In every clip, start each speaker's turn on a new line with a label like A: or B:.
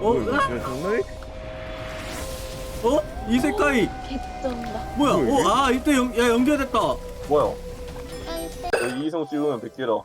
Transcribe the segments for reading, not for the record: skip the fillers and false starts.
A: 뭐야,
B: 으악!
A: 이거 장난해?
B: 이세카이
C: 개쩐다.
B: 뭐야?
A: 뭐야, 이게?
B: 이때 연결됐다.
D: 뭐야?
C: 아이때.
D: 여기 이성 찍으면 100개라.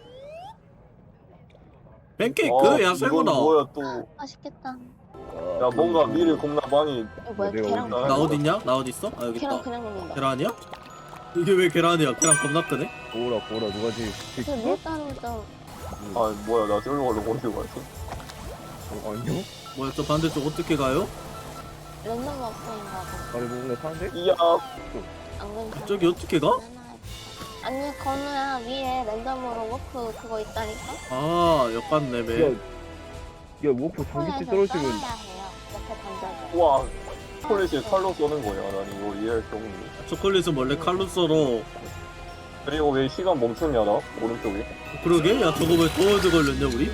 B: 팬케이크? 야
D: 이건
B: 새거다.
D: 뭐야 또?
C: 맛있겠다.
D: 야 뭔가 미를 겁나 많이.
C: 이거 뭐야?
A: 내가
C: 계란.
D: 어디다
B: 나 어딨냐? 나 어딨어? 아 여기
C: 계란
B: 있다.
C: 그냥 먹는다.
B: 계란이야? 이게 왜 계란이야? 계란 겁나 크네?
A: 보라 누가 제일
C: 그 밀가루 좀.
D: 아 뭐야 나 저기로 가려고 어디로 갔지?
A: 아니요?
B: 뭐야 저 반대쪽 어떻게 가요?
C: 랜덤 업소인가 봐.
A: 아니 뭔가 사는데?
D: 이야.
C: 안 괜찮아.
B: 저기 어떻게 가?
C: 아니 건우야 위에 랜덤으로 워크 그거 있다니까.
B: 아 역간
A: 야,
B: 랩에
A: 야 워프 장기치 떨어지면
C: 떠나야 해요. 옆에 던져줘.
D: 우와. 초콜릿이 칼로 쏘는 거야. 난 이거 이해할 수 없네.
B: 초콜릿은 원래 칼로 썰어.
D: 그리고 왜 시간 멈췄냐 나? 오른쪽에?
B: 그러게? 야 저거 왜 더워져 걸렸냐 우리?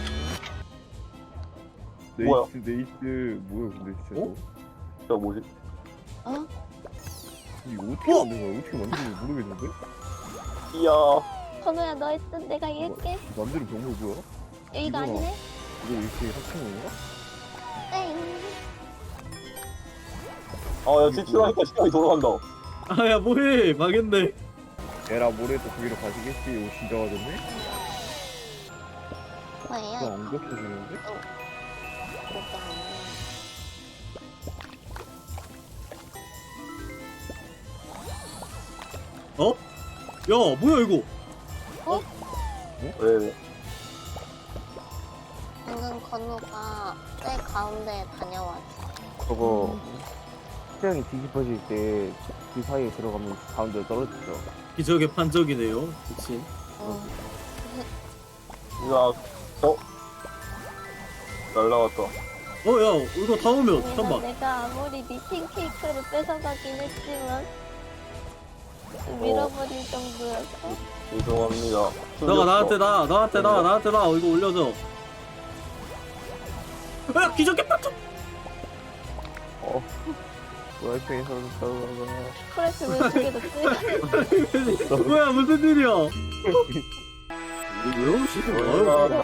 D: 뭐야?
A: 네이스 뭐야 근데 진짜
B: 어?
D: 저 뭐지?
C: 어?
A: 이거 어떻게 만든 거야? 어떻게 만드는지 모르겠는데?
D: 이야.
C: 건우야 너 했던 내가 이길게.
A: 남들은 병물 뭐야?
C: 여기가
A: 이거.
C: 아니네.
A: 이거 이렇게 합친 건가?
C: 땡.
D: 아야 지출하니까 시간이 돌아간다.
B: 아야 뭐해 망했네.
A: 에라 모레도 거기로 가시겠지? 이거 진짜 가졌네?
C: 뭐예요?
A: 그거 안 겹쳐주는데?
B: 어? 야 뭐야 이거?
D: 왜?
C: 방금 건우가 제 가운데 다녀왔어.
A: 저거 태양이 뒤집어질 때 그 사이에 들어가면 가운데 떨어지죠.
B: 기적의 판적이네요. 그치?
C: 응.
D: 이야. 어? 날라왔다.
B: 야 이거 다 오면 잠깐만.
C: 내가 아무리 네 팬케이크를 뺏어가긴 했지만 밀어버릴 정도였어.
D: 죄송합니다.
B: 너가 나한테 나 이거 올려줘. 야 기적의 판적.
A: 와이프에서 떨어가.
C: 크래프 왼쪽에 넣지?
B: 뭐야 무슨 일이야? 이거 왜 오시는 거야?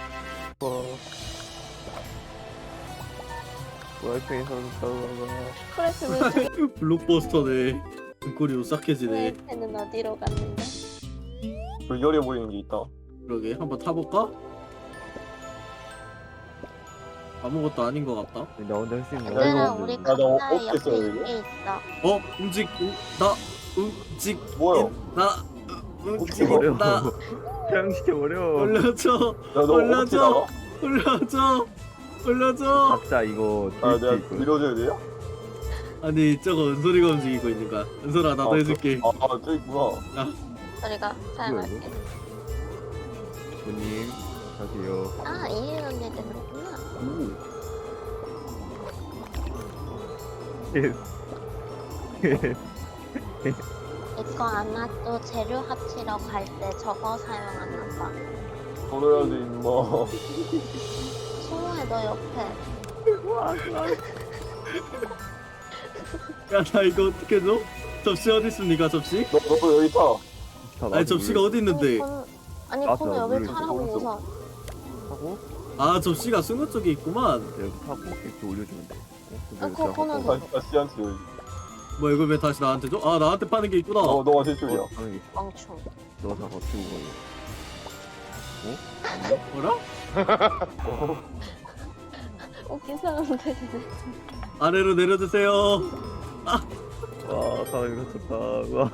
A: 와이프에서 떨어가.
C: 크래프 왼쪽에
B: 블록버스터네. 등골이 오싹해지네.
C: 는 어디로 갔는데?
D: 불결해 보이는 게 있다.
B: 그러게 한번 타볼까? 아무것도 아닌 것 같다.
A: 나 혼자 할 수 있는
D: 야,
C: 얘들아
D: 이거
C: 우리
D: 나
C: 각자
D: 어떻게
C: 옆에
D: 써요, 이거?
C: 있게 있어.
D: 뭐야?
B: 움직인다.
A: 태양시켜버려.
B: 올려줘.
D: 야너 어떻게
B: 올려줘.
D: 나가?
B: 올려줘.
A: 각자 이거
D: 아
A: 딜수
D: 내가
A: 있거든.
D: 밀어줘야 돼요?
B: 아니 저거 은솔이가 움직이고 있는 거야. 은솔아 나도 해줄게.
D: 저 있구나.
C: 우리가 사용할게.
A: 부님 가세요.
C: 아 이해 언니들 그렇구나. 이거 아마 또 재료 합치러 갈 때 저거 사용하나 봐.
D: 걸어야지 임마.
C: 승우야 너 옆에.
B: 야 나 이거 어떻게 줘? 접시 어디 있습니까 접시?
D: 너도 여기 타.
B: 아니 접시가 어디 있는데?
C: 아니
A: 맞아,
C: 건우 여기
A: 물론
C: 타라고
A: 오른쪽.
C: 우선.
A: 하고
B: 아 접시가 승우 쪽에 있구만.
A: 여기 타고 이렇게 올려주면 돼.
C: 그거는
D: 다시 한테 여기.
B: 뭐 이걸 왜 다시 나한테 줘? 아 나한테 파는 게 있구나.
D: 너가 제출이야.
C: 멍충.
A: 너다 버티고
B: 뭐라?
C: 웃긴 사람들.
B: 아래로 내려주세요.
A: 와 사람이 미쳤다. 와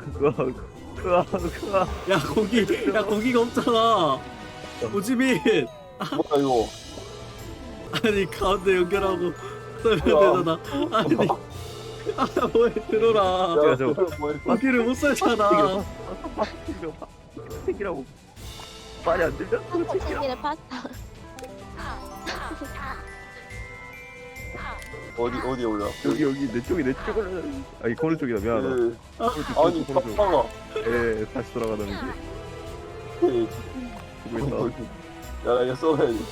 B: 야 고기가 없잖아. 오지민.
D: 뭐야 이거?
B: 아니 가운데 연결하고 썰면
D: 뭐야?
B: 되잖아. 아니 뭐해 들어라.
A: 야, 저-
D: 뭐야?
B: 고기를 못 썰잖아.
A: 책이라고 말이 안 들려?
C: 책이를 파스타.
D: 어디 올려?
A: 여기 내 쪽이 내 쪽을 아니 거느 쪽이다 미안하다.
D: 그, 아니
A: 거느 쪽.
D: pappa가.
A: 예 다시 돌아가는 게 보고 있다.
D: 야 이거 써야지.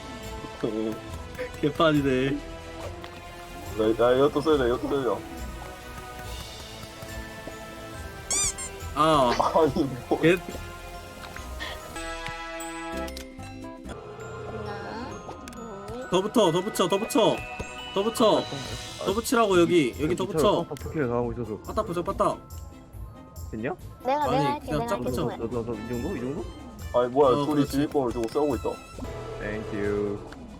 B: 개판이네.
D: 나 이것도 써야
B: 아
D: 아니 뭐.
B: 개.
C: 하나, 둘,
B: 더 붙어 더 붙이라고 여기 더 붙여.
A: 터키를 당하고 있어서.
B: 빠딱 붙여 빠딱.
A: 됐냐?
C: 내가
B: 아니,
C: 할게.
B: 그냥
C: 내가
B: 짝
C: 할게.
B: 붙여.
C: 그래.
A: 너이 정도? 이 정도?
D: 아니 뭐야 둘이
B: 그렇지.
D: 지휘권을 두고 싸우고 있다.
A: 땡큐.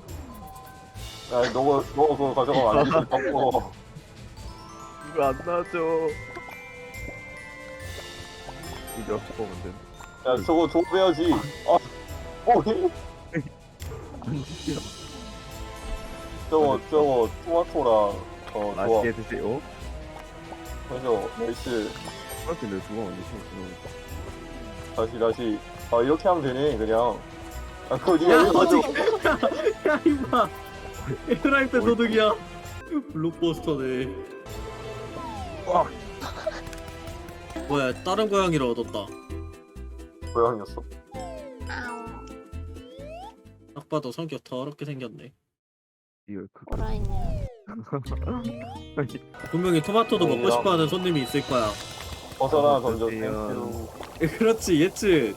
D: 야 너가 그거 가져가면 안 되지. 바꿔.
A: 이거 안 나죠. 이제 뽑으면 돼.
D: 야 저거 조배야지. 아. 어.
A: 안 지켜.
D: 저거 토마토랑 좋아.
A: 맛있게 드세요.
D: 그래서 멜스
A: 그렇게 내 두고 언제 신고
D: 다시 아 이렇게 하면 되네 그냥. 아 그거 니가
B: 야
D: 이거
B: 어디?
D: 가져.
B: 야 이봐. 프라이팬 도둑이야. 블록버스터네.
A: 와.
B: 뭐야 다른 고양이를 얻었다.
D: 고양이였어.
C: 아우.
B: 딱 봐도 성격 더럽게 생겼네.
A: 이거 그
C: 뭐라 했냐.
B: 분명히 토마토도 먹고
D: 뭐야?
B: 싶어하는 손님이 있을 거야.
D: 벗어나 던져.
A: 어떡해요.
D: 땡큐.
B: 그렇지 예측.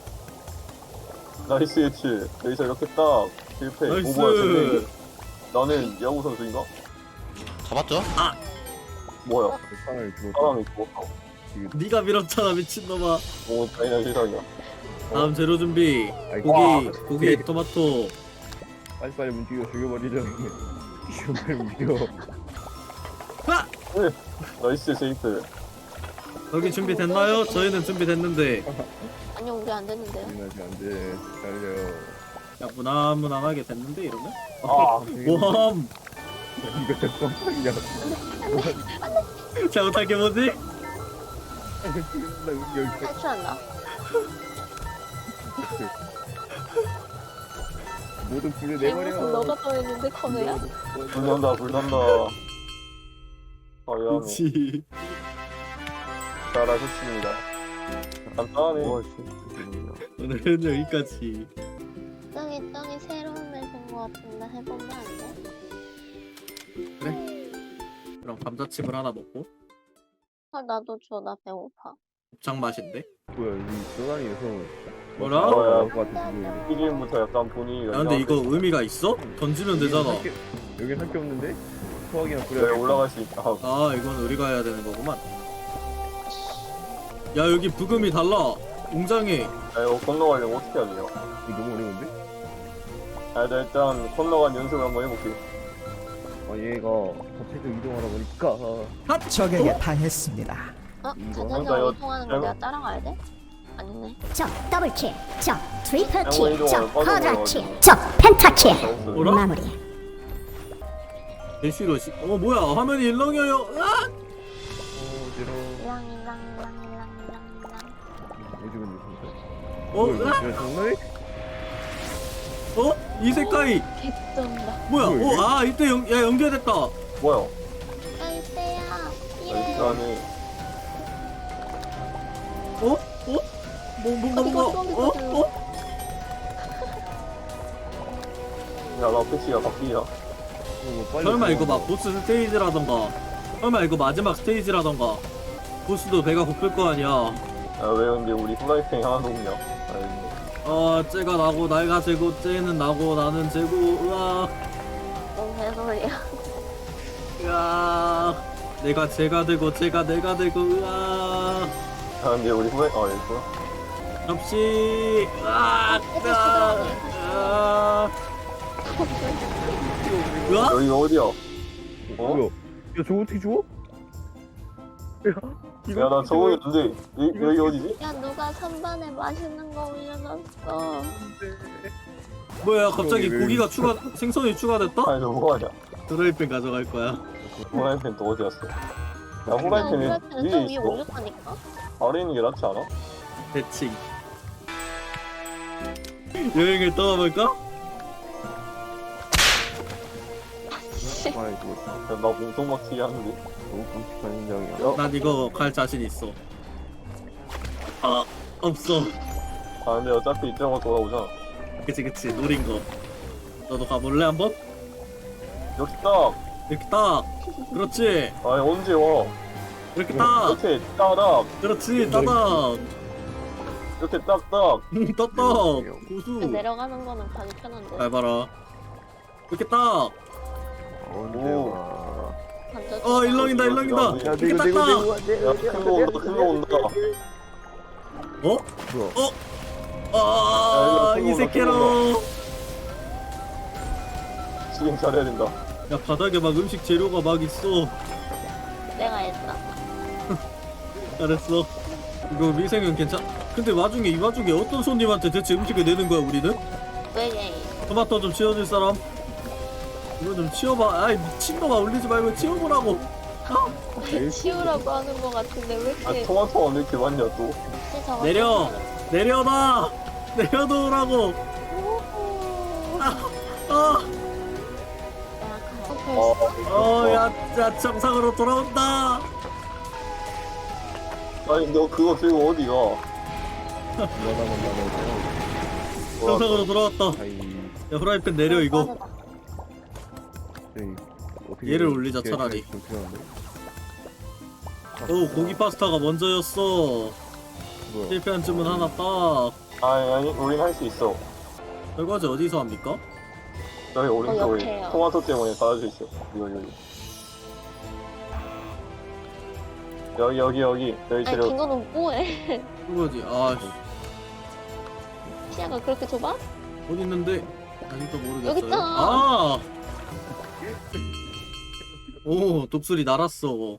D: 나이스 예치. 여기서 이렇게 딱 실패.
B: 나이스.
D: 오 뭐야 쟤네. 나는 야구 선수인가?
E: 잡았죠?
D: 뭐야?
A: 상을 주고
D: 사람이 죽었어.
B: 네가 밀었잖아 미친놈아.
D: 오 잔인한 세상이야.
B: 다음 재료 준비.
A: 와.
B: 고기 토마토.
A: 빨리빨리 움직여 죽여버리려. 빨리 움직여.
B: 아!
D: 나이스 세이프.
B: 여기 준비됐나요? 저희는 준비됐는데.
C: 아니 우리 안 됐는데요.
A: 일어나지 안 돼. 달려.
B: 야 무난무난하게 됐는데 이러면?
D: 아
B: 모함.
A: 이거 좀 깜짝이야.
B: 잘못한 게 뭐지?
A: 나 여기
C: 탈출한다.
A: 모든 불을
C: 무슨
A: 내버려.
C: 너가 떠있는데 건우야?
D: 불난다. 과연
B: 그렇지.
D: 잘하셨습니다. 간단하네.
A: 와,
B: 오늘은 여기까지.
C: 떡이 새로운 맵인 것 같은데 해보면 안 돼?
B: 그럼 감자칩을 하나 먹고
C: 아 나도 줘. 나 배고파.
B: 곱창 맛인데?
A: 뭐야 이 떠다니면서
B: 뭐라?
D: 뭐야?
A: 것 같은
D: 피디부터 약간 분위기가
B: 야 근데 이거 의미가 있어? 던지면 되잖아.
A: 여긴 할 게 없는데 소화기나
D: 왜
A: 뿌려.
D: 올라갈 수 있다.
B: 아 이건 우리가 해야 되는 거구만. 야 여기 부금이 달라. 웅장해.
D: 야 이거 건너가려면 어떻게 해야 돼요?
A: 이거 너무 어려운데?
D: 아, 나 일단 건너간 연습을 한번 해볼게.
A: 아 얘가 갑자기 이동하다 보니까
F: 적에게 당했습니다.
C: 어?
A: 이거
C: 자전거
D: 한다,
C: 이동하는 거 내가 따라가야 돼? 아니네.
G: 적 더블킬, 적 트리플
D: 양호
G: 킬,
D: 이동을
G: 적
D: 빠져나가지고.
G: 쿼드라킬, 적 펜타킬.
D: 잘했어요.
B: 뭐라?
G: 마무리.
B: 대쉬로 뭐야 화면이 일렁여요. 아!
A: 어지러.
C: 랑랑랑랑랑랑.
A: 요즘은 진짜.
B: 어?
A: 뭐야,
B: 아!
A: 이거 정말?
B: 어? 이색깔이
C: 개쩐다.
B: 뭐야?
A: 뭐야, 이게?
B: 아 이때 연결됐다.
D: 뭐야?
C: 야 이때야.
D: 이렇게
C: 이래.
D: 하네.
B: 어? 뭔가
D: 야, 나 패치야, 바뀌야.
A: 뭐 빨리
B: 설마 이거
A: 들어가.
B: 막 보스 스테이지라던가 설마 이거 마지막 스테이지라던가 보스도 배가 고플 거 아니야.
D: 야, 왜 근데 우리 후라이팬이 하나도 없냐? 아이,
B: 쟤가 나고 내가 재고 쟤는 나고 나는 재고 으아
C: 뭔 개소리야.
B: 으아 내가 쟤가 되고 쟤가 내가 되고 으아
D: 야, 근데 우리 후라이팬, 여기 있구나.
B: 접시 으아 으아 으아
D: 여기가 어디야?
A: 뭐야? 야 저거 어떻게 죽어?
D: 야, 나 저거 있는데, 여기 어디지?
C: 야 누가 선반에 맛있는 거 올려놨어.
B: 뭐야 갑자기
A: 왜-
B: 고기가 생선이 추가됐다?
D: 아니, 너 뭐하냐?
B: 드라이팬 가져갈 거야.
D: 후라이팬 또 어디 갔어? 야,
C: 야
D: 후라이팬이
C: 후라이팬은 저
D: 위에
C: 위에
D: 있어.
C: 올렸다니까.
D: 아래 있는 게 낫지 않아?
B: 대칭 여행을 떠나볼까?
A: 아 이거
D: 야, 나 몸통 막히게 하는데.
A: 너무 끔찍한 인장이야.
B: 난 이거 갈 자신 있어. 아 없어.
D: 아, 근데 어차피 이쪽으로 돌아오잖아.
B: 그치 노린 거. 너도 가볼래 한번?
D: 여기 딱!
B: 이렇게 딱. 그렇지.
D: 아니, 언제 와?
B: 이렇게 딱.
D: 이렇게 따닥!
B: 그렇지 따닥.
D: 이렇게 딱딱!
B: 따닥. 고수.
C: 내려가는 거는 가기 편한데.
B: 잘 봐라. 이렇게 딱.
A: 언제
D: 오.
A: 와.
C: 던져줘.
B: 일렁이다 일렁이다.
A: 야,
B: 이렇게
A: 내고
B: 딱.
A: 안돼.
D: 야, 큰 거 온다, 큰 거 온다.
B: 어?
A: 뭐야?
B: 아, 이 새끼로.
D: 지금 잘해야 된다.
B: 야, 바닥에 막 음식 재료가 막 있어.
C: 내가 했어.
B: 잘했어. 이거 미생은 괜찮. 근데 이 와중에 어떤 손님한테 대체 음식을 내는 거야 우리는?
C: 왜 얘?
B: 토마토 좀 치워줄 사람? 이거 좀 치워봐. 아이 미친놈아, 올리지 말고 치워보라고.
C: 치우라고 하는 거 같은데 왜
D: 아,
C: 이렇게
D: 토마토가 왜 이렇게 많냐, 또.
C: 혹시 저거
B: 내려. 내려놔. 내려놓으라고.
C: 오호.
B: 아,
C: 내가
D: 어,
B: 야, 정상으로 돌아온다.
D: 아니, 너 그거 들고 어디 가?
B: 정상으로 돌아왔다.
A: 아이,
B: 야, 후라이팬 내려 이거.
A: 에이, 어떻게
B: 얘를 올리자,
A: 이렇게
B: 차라리.
A: 좀 필요한데?
B: 오, 고기 파스타가 먼저였어.
A: 뭐야?
B: 실패한 주문 하나 딱.
D: 아니, 우린 할 수 있어.
B: 설거지 어디서 합니까?
D: 여기 오른쪽에
C: 옆에요.
D: 토마토 때문에 닫아져 있어. 여기. 여기
C: 아니
D: 재료.
C: 김건우 뭐해?
B: 설거지. 아,
C: 시야가 그렇게 좁아?
B: 어디 있는데? 아직도 모르겠어요.
C: 여기 있잖아.
B: 아! 오, 독수리 날았어.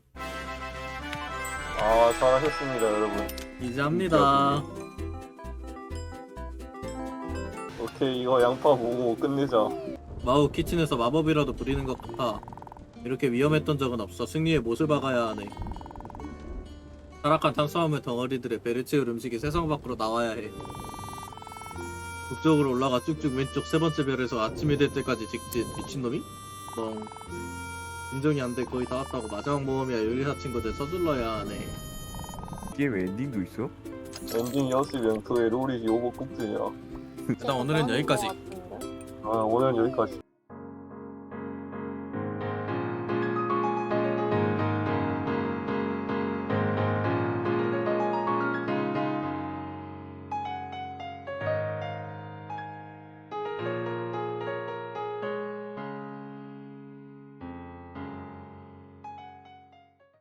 D: 아, 잘하셨습니다, 여러분.
B: 이제 합니다.
D: 오케이, 이거 양파 보고 끝내자.
B: 마우 키친에서 마법이라도 부리는 것 같아. 이렇게 위험했던 적은 없어. 승리의 못을 박아야 하네. 타락한 탄수화물 덩어리들의 배를 채울 음식이 세상 밖으로 나와야 해. 북쪽으로 올라가 쭉쭉 왼쪽 세 번째 별에서 아침이 될 때까지 직진. 미친놈이? 멍. 인정이 안 돼. 거의 다 왔다고. 마지막 모험이야. 요리사 친구들 서둘러야 하네.
A: 게임 엔딩도 있어?
D: 엔딩이었으면 그의 롤이 오버 꼭지냐.
B: 일단 오늘은 여기까지.
D: 아, 오늘은 여기까지.